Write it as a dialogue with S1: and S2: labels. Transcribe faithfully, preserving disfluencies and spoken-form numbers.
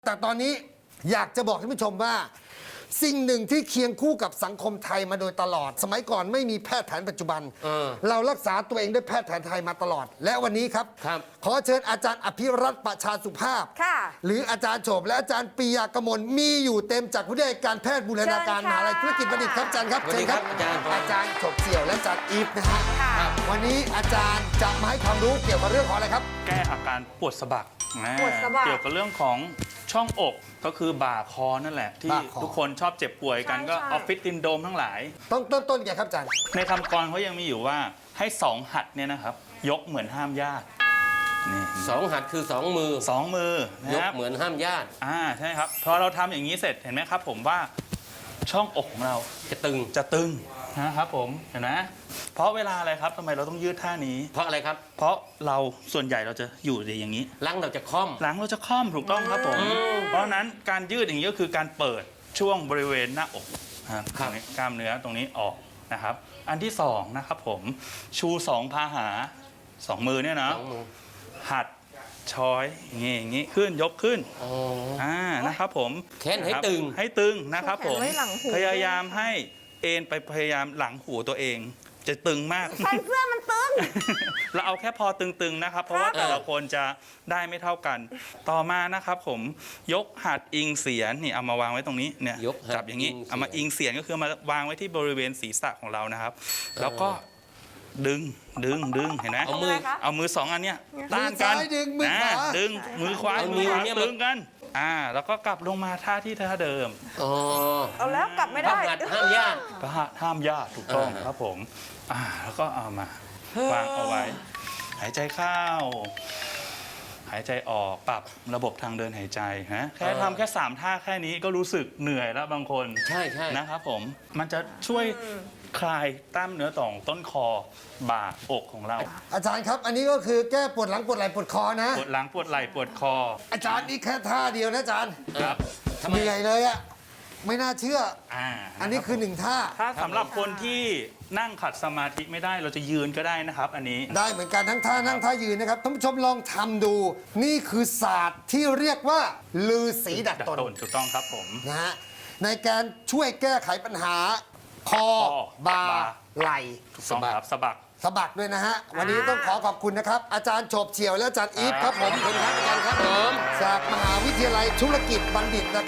S1: แต่ตอนนี้อยากจะบอกท่านผู้ชมว่าสิ่งหนึ่งที่เคียงคู่กับสังคมไทยมาโดยตลอด สมัยก่อนไม่มีแพทย์แผนปัจจุบัน
S2: เออ
S1: เรารักษาตัวเองด้วยแพทย์แผนไทยมาตลอด และวันนี้ครับ
S2: ครับ
S1: ขอเชิญอาจารย์อภิรัตน์ประชาสุภาพ
S3: ค่ะ
S1: หรืออาจารย์โฉบและอาจารย์ปียากมลมีอยู่เต็มจากวิทยาการแพทย์บูรณาการมหาวิทยาลัยธุรกิจบัณฑิตครับอาจารย์ครับ
S2: สวัสดีครับ
S1: เชิญ
S2: อาจารย์
S1: อาจารย์โฉบเสี่ยวและอาจารย์อีฟนะฮะ
S3: ค่ะ
S1: วันนี้อาจารย์จะมาให้ความรู้เกี่ยวกับเรื่องของอะไรครับ
S4: แก้อาการปวดสะบักนะ
S3: ปวดสะบัก
S4: เกี่ยวกับเรื่องของช่องอกก็คือบ่าคอนั่นแหละ ที่
S1: บ่าคอ
S4: ทุกคนชอบเจ็บป่วยกัน
S3: ใช่
S4: ก็
S3: ใช่
S4: ออฟฟิศซินโดรมทั้งหลาย
S1: ต้องเริ่มต้นยังไงครับอาจารย์
S4: ในคำกรเขายังมีอยู่ว่าให้สองหัดเนี่ยนะครับ ยกเหมือนห้ามญาตินี่
S2: สองหัดคือสองมือ
S4: สองมือย
S2: ก
S4: นะครับ
S2: เหมือนห้ามญาติ
S4: อ่าใช่ครับพอเราทำอย่างนี้เสร็จเห็นไหมครับ ผมว่าช่องอกของเรา
S2: จะตึง
S4: จะตึงนะครับผมเห็นไหมเพราะเวลาอะไรครับทำไมเราต้องยืดท่านี้
S2: เพราะอะไรครับ
S4: เพราะเราส่วนใหญ่เราจะอยู่อย่างนี้
S2: หลังเราจะค่อม
S4: หลังเราจะค่อมถูกต้องครับผม เพราะฉะนั้นการยืดอย่างนี้ก็คือการเปิดช่วงบริเวณหน้าอกนะครับ
S2: ครับ
S4: ตรงนี้กล้ามเนื้อตรงนี้ออกนะครับ อันที่สองนะครับผมชูสองพาหาสองมือเนี่ยนะ
S2: สองมือ
S4: หัดช้อยอย่างงี้อย่างงี้ขึ้นยกขึ้น
S2: อ๋อ
S4: อ่านะครับผม
S2: แขนให้
S4: ะครับ
S2: ตึง
S4: ให้ตึงนะครับ
S3: แขน
S4: ผม
S3: ไว้หลังหู
S4: พยายามให้เอ็นไปพยายามหลังหูตัวเอง จะตึงมาก
S3: ใส่เสื้อมันตึง
S4: เราเอาแค่พอตึงๆนะครับ เพราะว่าแต่ละคนจะได้ไม่เท่ากัน ต่อมานะครับผมยกหัดอิงเสียนนี่เอามาวางไว้ตรงนี้เนี่ย
S2: ยกหัด
S4: จับอย่างนี้
S2: อิงเสียน
S4: เอามาอิงเสียนก็คือมาวางไว้ที่บริเวณศีรษะของเรานะครับ แล้วก็ดึงดึงดึงเห็นไหม
S2: เอามือ
S3: ทำไมคะ
S4: เอามือสองอันเนี้ยต้านกัน
S1: มือซ้ายดึงมือขวา
S4: ดึงมือขวา
S2: เอา
S4: มือขวา
S2: นิ้วเนี่ยมา
S4: ดึงกันอ่าแล้วก็กลับลงมาท่าที่ท่าเดิม
S2: อ๋อ
S3: เอาแล้วกลับไม่
S2: ห้า
S3: ได้
S2: มหัดห้ามญาติ
S4: ก็ห้ามญาติถูกต้อง
S2: อ่า
S4: ครับผมอ่าแล้วก็เอามาวางเอาไว้ หายใจเข้า หายใจออกปรับระบบทางเดินหายใจนะแค่ทำแค่สามท่าแค่นี้ก็รู้สึกเหนื่อยแล้วบางคน
S2: ใช่ใช่
S4: นะครับผมมันจะช่วยคลายกล้ามเนื้อต่องต้นคอบ่าอกของเรา
S1: อาจารย์ครับ อันนี้ก็คือแก้ปวดหลังปวดไหล่ปวดคอนะ
S4: ปวดหลังปวดไหล่ปวดคอ
S1: อาจารย์นี่แค่ท่าเดียวนะอาจารย์
S4: ครับ
S2: ทำไม
S1: เหนื่อยเลยอะไม่น่าเชื่อ
S4: อ่า
S1: อันนี้คือหนึ่งท่า
S4: ถ้าสำหรับคนที่นั่งขัดสมาธิไม่ได้เราจะยืนก็ได้นะครับ อันนี้
S1: ได้เหมือนกันทั้งท่านั่งท่ายืนนะครับท่านผู้ชมลองทำดู นี่คือศาสตร์ที่เรียกว่าลือสีดัด
S4: ดัด
S1: ตน
S4: ต้นถูกต้องครับผม
S1: นะฮะในการช่วยแก้ไขปัญหา คอ
S4: คอ
S1: บ่า
S4: บ่า
S1: ไหล่
S4: ถูกต้องครับสะบัก
S1: สะบักด้วยนะฮะ วันนี้ต้องขอขอบคุณนะครับ อาจารย์โฉบเฉี่ยวและอาจารย์อีฟครับผมขอบคุณครับอาจารย์ครับผมจากมหาวิทยาลัยธุรกิจบัณฑิตนะครับ